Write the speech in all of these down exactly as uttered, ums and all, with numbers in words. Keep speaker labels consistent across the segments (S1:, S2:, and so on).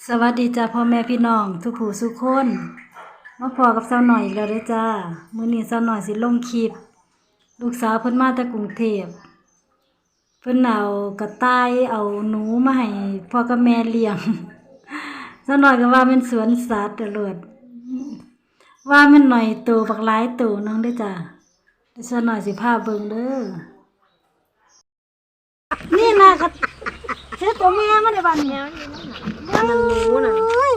S1: สวัสดีจ้าพ่อแม่พี่น้องทุกผู้ทุกคนมาพอกับสาวหน่อยอีกแล้วเด้อจ้ามื้อนี้สาวหน่อยสิลงคลิปลูกสาวเพิ่นมาจากกรุงเทพเพิ่นเอากระต่ายเอาหนูมาให้พ่อกับแม่เลี้ยงสาวหน่อยก็ว่ามันสวนสัตว์ตลอดว่ามันหน่อยโตบักหลายโตนึงเด้อจ้าเดี๋ยวสาวหน่อยสิพาเบิ่งเด้อนี่นะกระเจ้าตัวแม่มันได้บ้านนี้มันหนูน่ะ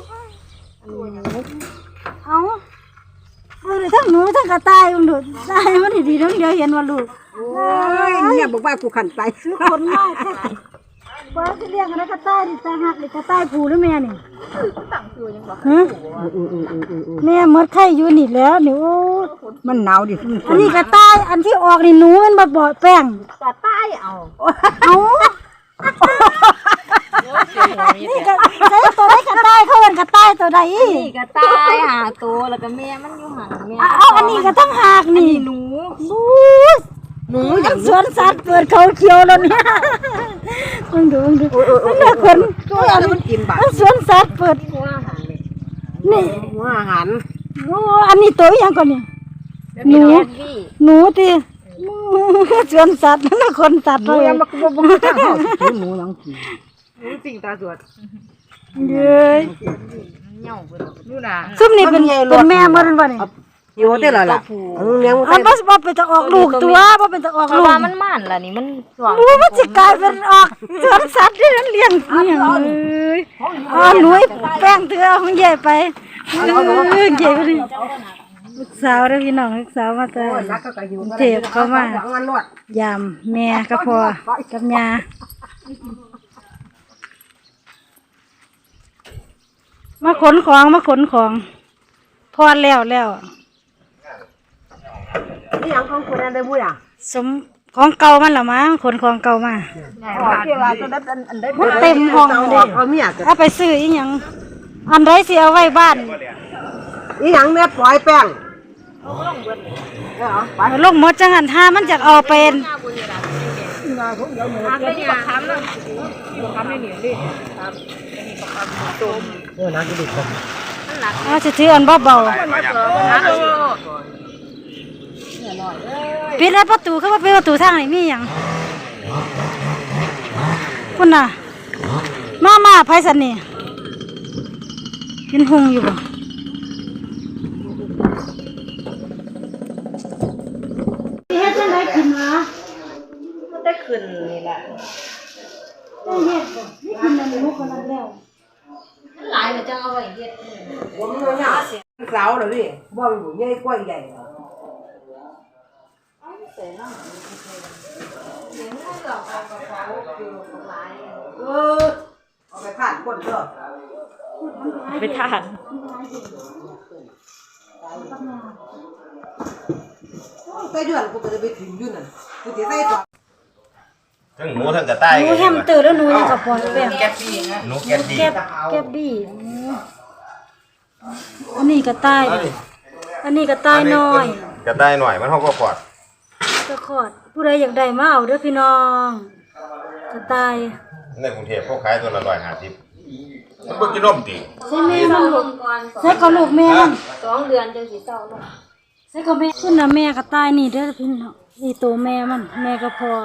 S1: เอาเบิ่งเลยทั้งหนูทั้งกระต่ายมันดูตายมันดีๆทั้งเดียวเห็นว่าลูก
S2: โอ้ยเนี่ยบอกว่ากูขันไป
S1: ซื้อคนมากแท้บ่สิเลี้ยงอะไรกระต่ายดิตาหักดิกระต่ายผู้หรือแม่นี่ตั้งชื่อยังบ่ฮะแม่หมดไข่อยู่นี่แล้วนี่โอ้
S2: มันหนาวดิ
S1: อันนี้กระต่ายอันที่ออกนี่หนูมันบ่บ่แป้ง
S2: กระต่ายเอา
S1: เอานี่ก็ใช้ตัวได้กระต่ายเขาเป็นกระต่ายตัวใด
S3: นี่กระต่ายหาตัวแล้วก็แม่มันอยู่หันแม่
S1: เอาอันนี้ก็ต้องหากนี่
S3: หนู
S1: บูหนูอย่างสวนสัตว์เปิดเขาเขียวแล้วเนี่ยมึงดูมึงดูมันน่าคน
S2: ตัวอะไรมันกินบ้า
S1: สวนสัตว์เปิดนี่
S2: หัวอาหาร
S1: โอ้อันนี้ตัวอย่างก่อนนี่หนูหนูที่สวนสัตว์น่าคนสัตว์
S2: เลยยังมาบ่บ่ทางเฮาสิหนูยังกิน
S3: หนูสิ่งตาสวด
S1: เย้ย
S3: เหย่าเพิ่นนู่นน่ะ
S1: ซุ่มนี่เป็นเป็นแม่บ่นั่นบ่นี่
S2: อยู่เด้อล่ะล่ะเลี้ยง
S1: อันบ่บ่เป็นจะออกลูกตัวบ่เป็นจะออกลูก
S3: ว่ามันม่านล่ะนี่มัน
S1: ช่วงรู้มันสิกลายเป็นออกสวนสัตว์ที่นั้นเลี้ยงเลี้ยงเอ้ยอ๋อหนุ่ยแป้งเถื่อของใหญ่ไปเอ้ยใหญ่ไปดิลูกสาวเด้อพี่น้องลูกสาวมาแต่เทพเข้ามายามแม่ก็พอกับยามาขนของมาขนของพอแล้วแล้ว
S2: นี่ยังของคนนั้นได้บุญอ่ะ
S1: สมของเก่ามันละมั้งขนของเก่ามามันเต็มห้องเลยเอาไปซื้ออีหยังอันใดสิเอาไว้บ้าน
S2: อีหยังแม่ปล่อยแป้ง
S1: ลงหมดจังหันท่ามันจะเอาเป็นเอาจะถืออันเบาๆปิดแล้วประตูเข้ามาปิดประตูทางไหนมีอย่างคุณน่ะมามาไพศาลนี่กินหงอยู่บ่เฮ็ดจังได๋กินวะ
S3: มันได้ขึ้นนี่แหละ
S1: ได้เฮ็ดบ่นี่กินอันนี้ลูกคนนั้นแล้ว
S3: มันหลายแล้วจังเอาไว้เฮ็ด
S2: ผมมันยาวสาวเหรอพี่บ่อยู่ใหญ่กว่าใหญ่เออเอาไปผ่านคนเด้อ
S3: ไปทาน
S2: ใส่เดือนกูก็จะไปถึงอยู่นั่นกูสิใส่ต่อ
S4: ทั้งหนูทั้งกระต่าย
S1: หนูแฮมสเตอร์แล้วหนูยังกับปอนแป้ง
S4: แก๊บบี้นะหนูแก๊บบี้
S1: แก๊บแก๊บบี้อันนี้กระต่ายอันนี้กระต่ายน้อย
S4: กระต่ายหน่อยมันเฮาก็ขอด
S1: ก็ขอดผู้ใดอยากได้มาเอาเด้อพี่น้องกระต่าย
S4: ในกรุงเทพเขาขายตัวละหนึ่งร้อยห้าสิบมันบ่กินนมติ
S1: ใช่แม่มันลูกใช่ก็ลูกแม่มัน
S3: สองเดือนจังสิเศร้าเนาะ
S1: ใช่ก็แม่ขึ้นน่ะแม่กระต่ายนี่เด้อพี่น้องนี่ตัวแม่มันแม่ก็พอ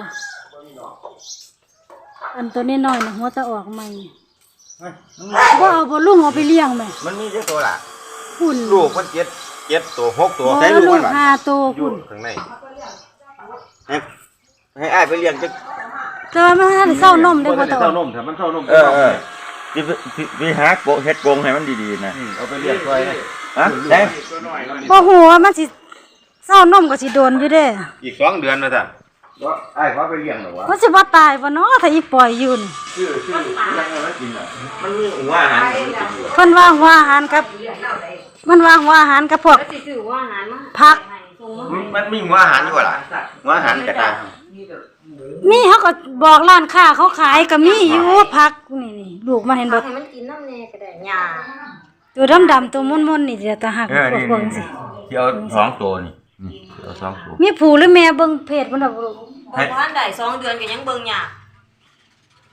S1: อันตัวน้อยๆน่ะหัวตะออกใหม่บ่เอาบ่ลุงเอาไปเลี้ยงแม่
S4: มันมีจักตัวล่ะ
S1: คุณ
S4: ลูกมันเจ็ด เจ็ดตัวหกตัว
S1: ใส่ลูกมันห้าตัวคุณ
S4: ข้างในให้ให้อ้ายไปเลี้ยงจัก
S1: แต่ว่ามันให้เศร้านมได้บ่ตอ
S5: เศร้านมถ้ามันเศร้านม
S4: เออเออ
S5: สิสิหาโกเฮ็ดกงให้มันดีๆนะ
S4: เอาไปเลี้ยงซอย
S5: ฮะแท้
S1: บ่ฮู้ว่ามันสิเศร้านมก็สิโดนอยู่เด้
S4: อีกสองเดือนว่าซั่น
S5: บ่อ้ายขอไปเลี้ยงหรอวะ
S1: มันสิบ่ตายบ่เนาะถ้าอีปล่อยอยู่นี่
S5: ชื่อชื่อยังเอาไว้กินน่ะ
S4: มันมีหัวอาหาร
S1: เพิ่นว่าหัวอาหารครับมันว่าหัวอาหารกับพวกผัก
S4: มันมีหัวอาหารอยู่ล่ะหัวอาหารกระต่าย
S1: มีเขาก็บอกร้านค้าเขาขายก็มีอยู่ผักนี่ๆลูกมันเห็นบ่
S3: มันกินน้ำแน่ก็ได้หญ้า
S1: ตัวดำๆตัวม่นๆนี่เดี๋ยวตาหักพวกเบิ่งสิ
S5: ที่เอาสองตัวนี่เอาสองตัว
S1: มีผู้หรือแม่เบิ่งเพจมันดอกลูก
S3: บ่ทันได้สองเดือนก็ยังเบิ่งหญ้า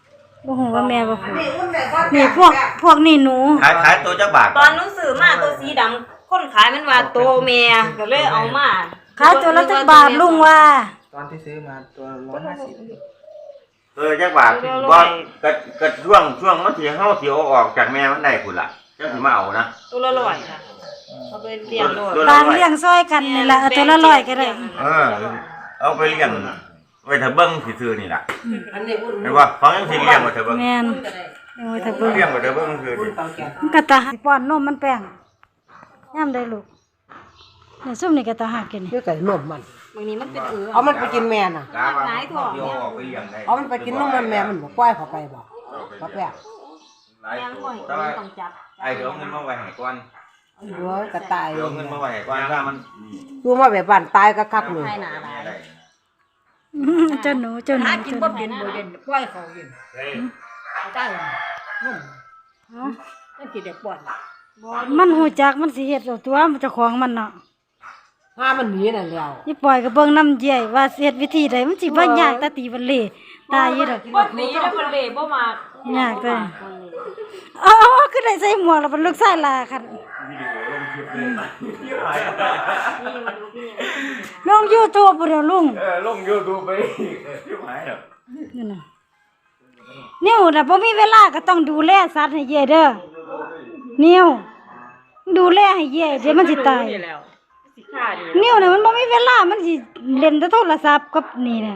S1: บ่ฮู้ว่าแม่บ่พูด
S2: นี่อุ้นแม่ก็
S1: นี่พวกพวกนี่หนู
S5: ขายขายตัวจักบาท
S3: ตอนหนู้ซื้อมาตัวสีดำคนขายมันว่าโตแม่ก็เลยเอามา
S1: ขายตัวละจักบาทลุงว่า
S6: ตอนที่ซื้อมาตัวร้อยห้าสิบ
S5: ตัวจักบาทบ่ก็ก็ช่วงช่วงมันสิเฮาสิเอาออกจากแม่มันได้พุ่นล่ะจังสิมาเอานะ
S3: ตัวละร้อยค่ะเอาไปเลี้ยงโลด
S5: ตัวละ
S1: ต่าง
S5: ร้อย
S1: เลี้ยงซอยกันนี่ล่ะเอาตัวละร้อยก็ได้
S5: เออเอาไปเลี้ยงไว้ถ้าเบิ่งซื่อๆนี่ล่ะ
S2: อันนี้อุ้น
S5: เห็นบ่ฟังยังสิเลี้ยงไว้ถ้าเบิ่ง
S1: แม่นโอ้ยถ้าเบิ่ง
S5: เลี้ยงไว้ถ้าเบิ่งซื่อ
S2: อุ้น
S5: นี่
S2: เปล่าแก่
S1: มันก็ตาหักป้อนนมมันแป้งยามได้ลูกนี่ซุ่มนี่ก็ตาหักกินนี่
S2: เพื่อไก่นมมัน
S3: บางนี้มันเป็นเอือ
S2: เอามันไปกินแม่น่ะ
S5: กาว่าเดี๋ยวเอาออกไปเลี้ยงได้
S2: เอามันไปกินนมมันแม่มันบ่ปล่อยเข้าไปบ่ปักแรก
S5: หลาย
S3: แม่
S5: ตั
S3: บ่
S5: ว
S3: เห็น
S5: แต่ว่า
S3: ต้องจับ
S5: ไอ้เดี๋ยวเอาเงินมาไว้ให้ก่อน
S2: เดี๋ยวกระต่าย
S5: เดี๋ยวเอาเงินมาไว้ให้ก่อนถ้ามัน
S2: ดูมาแบบบ้านตายก็คักเลย
S3: ให้หนาหลาย
S5: ได้
S1: อื้อเจ้าหนูเจ้าหนู
S2: หากิน
S1: เจ้าห
S2: บ่
S1: นู
S2: เป็นบ่เด่นปล่อยเขากินตายนม
S1: เอ้า
S2: นั่นกินได้ป่อน
S1: มันฮู้จักมันสิเฮ็ดเอาตัวมันเจ้าของมันเนาะ
S2: หามันหนีนั่นแล้ว
S1: นี่ปล่อยก็เบิ่งน้ำเยี่ยว่าสิเฮ็ดวิธีใดมันสิบ่ยากตาตีบันเลตายอยู่ดอก
S3: บ่หนีแล้วมันเละบ่มาก
S1: ยากเด้ออ๋อคือได้ใส่หมวกแล้วเป็นลูกชายลาคันลง YouTube บ่เด้อลุง
S5: เออลง YouTube ไปที่หมายอ่ะ
S1: นั่นน่ะนิ้วน่ะบ่มีเวลาก็ต้องดูแลสัตว์ให้เย่เด้อนิ้วดูแลให้เย่เดี๋ยวมันสิตาย
S3: สิขาด
S1: นิ้วน่ะมันบ่มีเวลามันสิเล่นแต่โทรศัพท์กับนี่น่ะ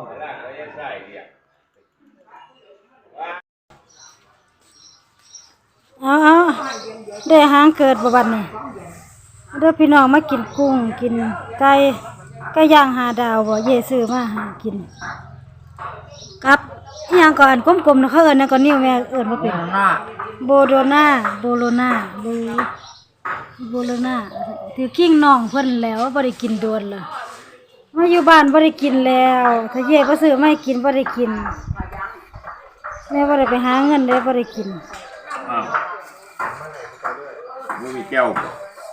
S1: เอาเอาได้หางเกิดบ่บัดนี้เด้อพี่น้องมากินกุ้งกินไก่ไก่ย่างหาดาวบ่เย่ซื้อมาหากินกับอีหยังก่อนกลมๆน่ะเขาเอิ้นนะก็นิ้วแม่เอิ้นบ่เป็นโบโดนาโบโลนาโบโบโลนาถือกิ้งน้องเพิ่นแล้วบ่ได้กินโดนล่ะมาอยู่บ้านบ่ได้กินแล้วถ้าเย่บ่ซื้อมาให้กินบ่ได้กินแม่บ่ได้ไปหาเงินเด้บ่ได้กิน
S5: อ้าวบ่มีแก้วบ่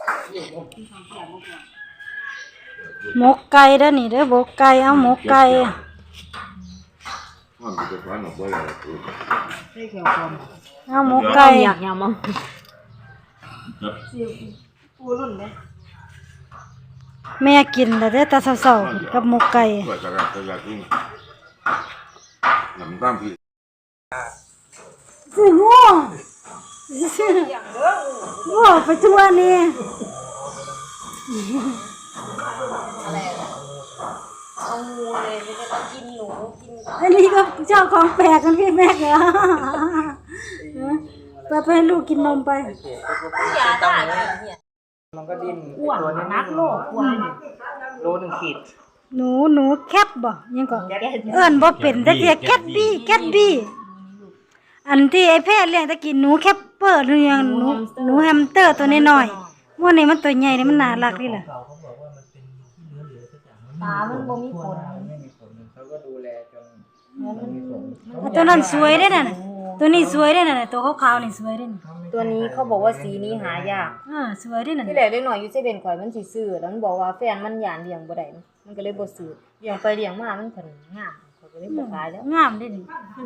S1: หมกไก่เด้อนี่เด้อหมกไก่เอาหมกไก่
S5: มันจะฟันออกบ่ได้คือ
S1: เอาหมกไก่
S3: อยากยามอง
S1: แม่กินแล้วเด้อตาเศร้าๆกับหมกไก่
S4: เปิดกระดาษกระดาษนี่น้ำตาลพี่
S1: สิง่วงง่วงไปทั่วนี่
S3: เอางูเลยมันจะกินหนูกิน
S1: อันนี้ก็เจ้าของแปลกกันพี่แม่เหรอไปไปให้ลูกกินนมไป
S3: ยาตายเนี่ย
S6: มันก็ดิ้นอ้วนนักโลกอ้วนโลหนึ่งขีด
S1: หนูหนูแคทบ่ยังก็เอิ้นบ่เป็นแต่เสียแคทบี้แคทบี้อันที่ไอ้แพทย์เลี้ยงตะกี้หนูแคปเปอร์หรือยังหนูหนูแฮมสเตอร์ตัวน้อยๆมื้อนี้มันตัวใหญ่นี่มันน่ารักนี่ล่ะ
S3: ตามันบ่มีผล
S6: ไม่มีผลเขาก็ดูแลจนมันมีผล
S1: อ่ะตัวนั้นสวยเด้อนั่นน่ะตัวนี้สวยเด้อนั่นน่ะตัวขาวๆนี่สวยเด้อนี่
S3: ตัวนี้เขาบอกว่าสีนี้หายาก
S1: เออสวยเด้อนั่น
S3: ที่แรกเล็กน้อยอยู่เซเว่นข่อยมันสิซื้อแล้วมันบอกว่าแฟนมันหยานเลี้ยงบ่ได้มันก็เลยบ่ซื้อเลี้ยงไปเลี้ยงมามันเพิ่นงามข่อยก็เลยบ่ขายแล้ว
S1: งามเด้อนี่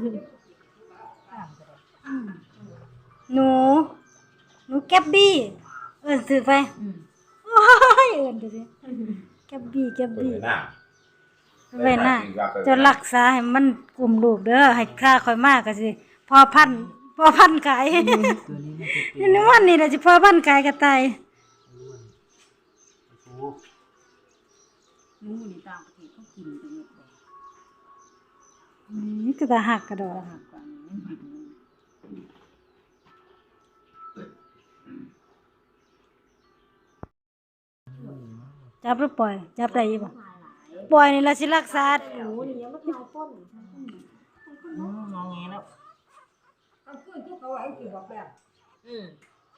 S1: อืมหนูหนูแกบบี้เอิ้นซื้อไปโอ้ยเอิ้นดูสิแกบบี้แกบ
S4: เปิด
S1: บี้
S4: หน้า
S1: ไว้น่ะจะรักษาให้มันกลุ่มลูกเด้อให้ค่าค่อยมากก็สิพอพันธุ์พอพันธุ์ขายนี่นวันนี้ล่ะสิพอพันธุ์ขายกระต่ายหนูนี่ต่างประเทศเขากินจังเลยนี่ก็ตาหักกระดอกหักกว่านี้จับหรือปล่อยจับได้อยู่บ่ปล่อยนี่ล่ะสิรักษา
S3: งอแงแล้ว อืม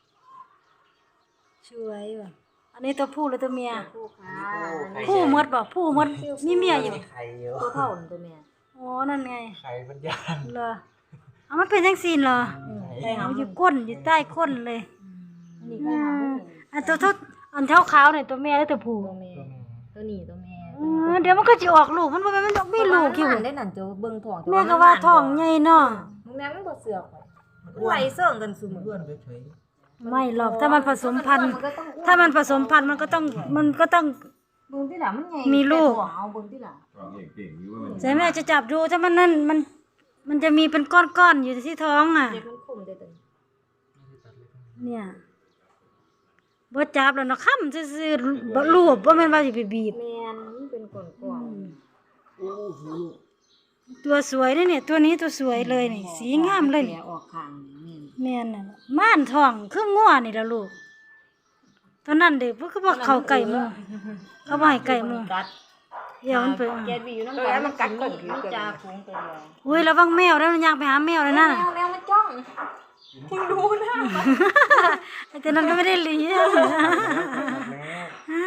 S1: ช่วยว่ะอันนี้ตัวผู้หรือตัวเมีย
S3: ผู้ค้า
S1: ผู้หมดบ่ผู้หมดมีเมียอยู่
S6: ไข่เยอะ
S3: ตัวเท่าตัวเมีย
S1: อ๋อนั่นไง
S6: ไข่มันยาน
S1: เหรอเอามันเป็นจังซี่เหรอ
S3: ได้
S1: เอา
S3: หำ
S1: อยู่ก้นอยู่ใต้ก้นเลย
S3: นี่ก็หำ
S1: อันตัวเท่าอันเท่าขาวเนี่ยตัวเมียหรือตัวผู้
S3: ตัวเมียตัวนี้ตัวเมีย
S1: เออเดี๋ยวมันก็สิออกลูกมันบ่แม่นมันมีลูกอยู่
S3: ได้นั่นจะเบิ่งท้อง
S1: แม่ก็ว่าท้องใหญ่เนาะ
S3: เมื่อแม่มันบ่เสือกข่อยมันไหลเสื่องกันซุมื้อ
S2: เพื่อนเฉย
S1: ไม่หรอกถ้ามันผสมพันธุ์ถ้ามันผสมพันธุ์มันก็ต้องมันก็ต้อง
S3: เบิ่งที่หล่ะมันใหญ่
S1: มีลูก
S3: แต่ท้องเอาเบิ่งที่หล่ะ
S1: ใช่แม่จะจับดูถ้ามันนั่นมันมันจะมีเป็นก้อนๆอยู่ที่ท้องอ่ะ
S3: เด็กมันคมได้ตัวนี้
S1: เนี่ยบ่จับแล้วเนาะค้ำซื่อๆบ่รูปบ่แม่นว่าสิไปบีบ
S3: แม่นมันเป็นก้อนๆ
S2: โอ้โห
S1: ตัวสวยนี่เนี่ยตัวนี้ตัวสวยเลยนี่สีงามเลย
S3: แผล
S1: นี่
S3: ออกข้างนี่
S1: แม่นน่ะม่านทองคืองัวนี่ล่ะลูกตอนนั้นเด็กเพิ่นก็บ่เข้าใกล้หมู่เขาบ่ให้ใกล้หมู่
S3: กัด
S1: เดี๋ยวมันไป
S3: แกดวีอยู่นำกันมันกัดก้นมีจ่าฝูงตัวเดียว
S1: อุ้ยระวังแมวแล้วมันอยากไปหาแมวเลยนะ
S3: แมวแมวมันจ้องมึงดูนะ
S1: ไอ้ตัวนั้นก็ไม่ได้เลี้ยงอ่า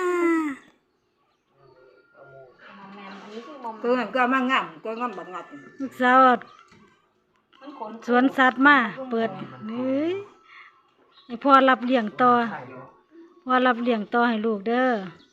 S3: แมวอันนี้คือมอม
S2: ตัวนั้นก็มางามก็งามบักงัด
S1: ลูกสาว
S3: มันขน
S1: สวนสัตว์มาเปิดเฮ้ยให้พ่อรับเลี้ยงต่อพ่อรับเลี้ยงต่อให้ลูกเด้อ